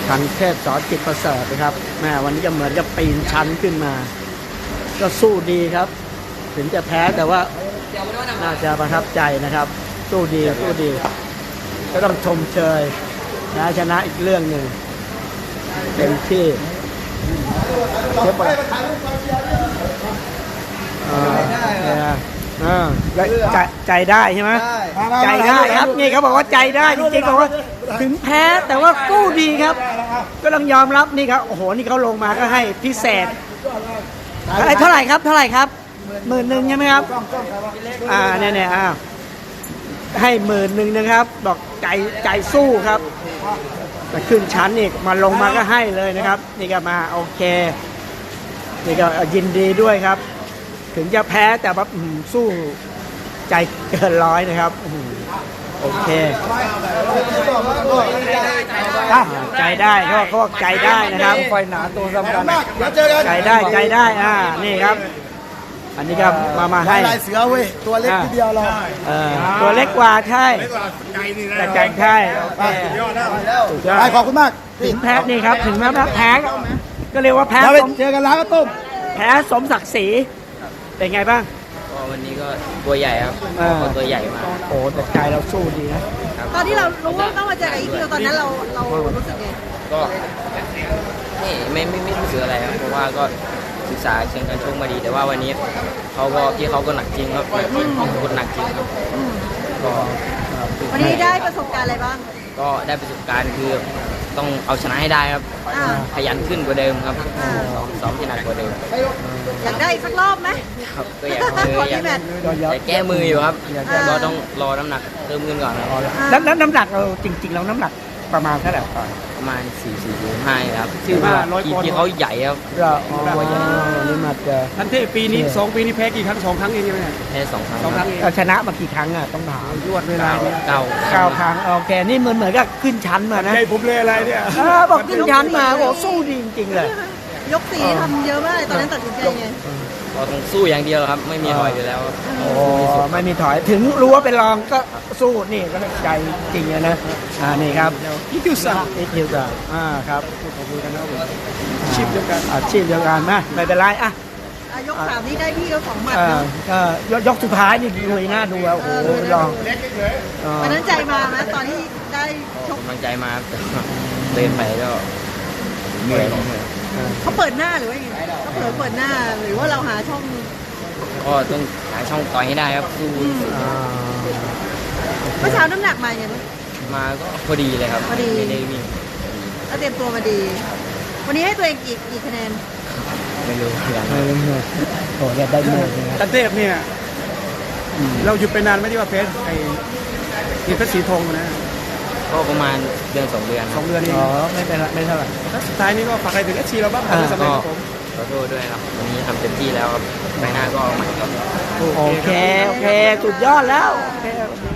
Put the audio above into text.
ทันเทพสอนจิตประเสริฐนะครับแม่วันนี้ก็เหมือนกับปีนชั้นขึ้นมาก็สู้ดีครับถึงจะแพ้แต่ว่าน่าจะประทับใจนะครับสู้ดีก็ต้องชมเชยนะชนะอีกเรื่องหนึ่งเต็มที่เจ็บปวดใจได้ใช่ไหมใจได้ครับนี่เขาบอกว่าใจได้จริงๆบอกว่าถึงแพ้แต่ว่ากู้ดีครับก็ต้องยอมรับนี่ครับโอ้โหนี่เขาลงมาก็ให้พิเศษเท่าไหร่ครับ10,000ใช่ไหมครับเนี่ยให้10,000นะครับบอกใจสู้ครับแต่ขึ้นชั้นนี่มาลงมาก็ให้เลยนะครับนี่ก็มาโอเคนี่ก็ยินดีด้วยครับถึงจะแพ้แต่ว่าสู้ใจเกินร้อยนะครับโอเคใจได้เขาบอกใจได้นะครับไฟหนาตัวสำคัญใจได้นี่ครับอันนี้ก็มาให้ลายเสือเว้ยตัวเล็กทีเดียวเราตัวเล็กกว่าใช่แต่ใจใช่ขอบคุณมากถึงแพ้นี่ครับถึงแม้แพ้ก็เรียกว่าแพ้เจอกันแล้วก็ต้มแพ้สมศักดิ์ศรีเป็นไงบ้างก็วันนี้ก็ตัวใหญ่ครับตัวใหญ่มากโอ้แต่ใจเราสู้ดีนะตอนที่เรารู้ว่าต้องมาเจอกับอีคิวตอนนั้นเรารู้สึกไงก็ไม่รู้สึกอะไรครับเพราะว่าก็ศึกษาเชิงการชกมาดีแต่ว่าวันนี้พี่เขาก็หนักจริงครับคนหนักจริงครับก็วันนี้ได้ประสบการณ์อะไรบ้างก็ได้ประสบการณ์คือต้องเอาชนะให้ได้ครับขยันขึ้นกว่าเดิมครับซ้อมที่หนักกว่าเดิมอยากได้สักรอบไหมครับก็อยากแก้มืออยู่ครับก็ต้องรอน้ำหนักเพิ่มขึ้นก่อนแล้วน้ำหนักเราจริงๆเราน้ำหนักประมาณเท่าไหร่ประมาณ4.5ครับที่เขาใหญ่ครับนี่มาเจอทันเทพปีนี้2 ปีนี้แพ้กี่ครั้ง2 ครั้งเองใช่ไหมแพ้2 ครั้งชนะมากี่ครั้งต้องถามยอดเวลา 9 ครั้งโอเคนี่เหมือนกับขึ้นชั้นมานะใจผมเลยอะไรเนี่ยบอกขึ้นชั้นมาโอ้สู้ดีจริงๆเลยยก4ทำเยอะมากเลยตอนนั้นตัดสินใจไงก็ต้องสู้อย่างเดียวครับไม่มีถอยอยู่แล้วไม่มีถอยถึงรู้ว่าเป็นรองก็สู้นี่ก็ใจจริงนะนี่ครับอีคิวซ่าครับขอบคุณนะครับชีพเดียวกันนะไม่เป็นไรยก3นี้ได้พี่ก็2 หมัดก็ยกสุดท้ายนี่ลุยหน้าดูโอ้โหลองวันนั้นใจมาไหมตอนที่ได้ชกกำลังใจมาเดินไปก็เหนื่อยเขาเปิดหน้าหรือว่าเขาเปิดหน้าหรือว่าเราหาช่องก็ต้องหาช่องต่อยให้ได้ครับสู้เมื่อเช้าน้ำหนักมาไงมาก็พอดีเลยครับไม่ได้วิ่งก็เตรียมตัวมาดีวันนี้ให้ตัวเองกี่คะแนนไม่รู้อย่างไรโอ้ยได้เงินทันเทพเนี่ยเราหยุดไปนานไหมที่ว่าเพชรเพชรสีทองนะก็ประมาณเดือน2 เดือน 2 เดือนเองไม่เป็นไรไม่เท่าไหร่สุดท้ายนี้ก็ฝากอะไรถึงเราบ้างสำหรับผมขอโทษด้วยครับวันนี้ทำเต็มที่แล้วครับไปหน้าก็ใหม่ครับโอเคสุดยอดแล้วโอเค